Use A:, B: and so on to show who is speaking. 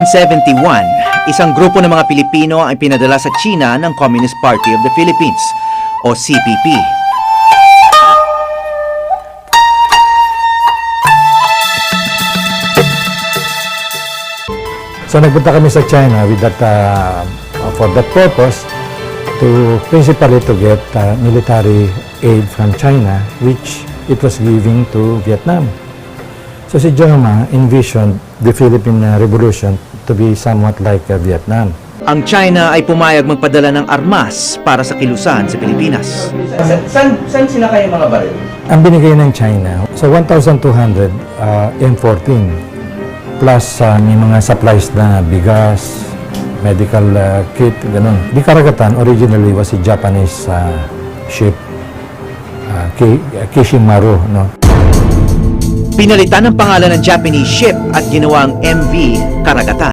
A: 1971, isang grupo ng mga Pilipino ang pinadala sa China ng Communist Party of the Philippines o CPP.
B: So nagpunta kami sa China with that, for that purpose, to principally to get military aid from China, which it was giving to Vietnam. So si Joma envisioned the Philippine Revolution to be somewhat like Vietnam.
A: Ang China ay pumayag magpadala ng armas para sa kilusan sa Pilipinas.
C: Saan sinakay yung mga baril?
B: Ang binigay ng China, so 1,200 M14 plus may mga supplies na bigas, medical kit, ganun. Di karagatan, originally was a Japanese ship, Kishimaru, no?
A: Pinalitan ng pangalan ng Japanese ship at ginawang MV Karagatan.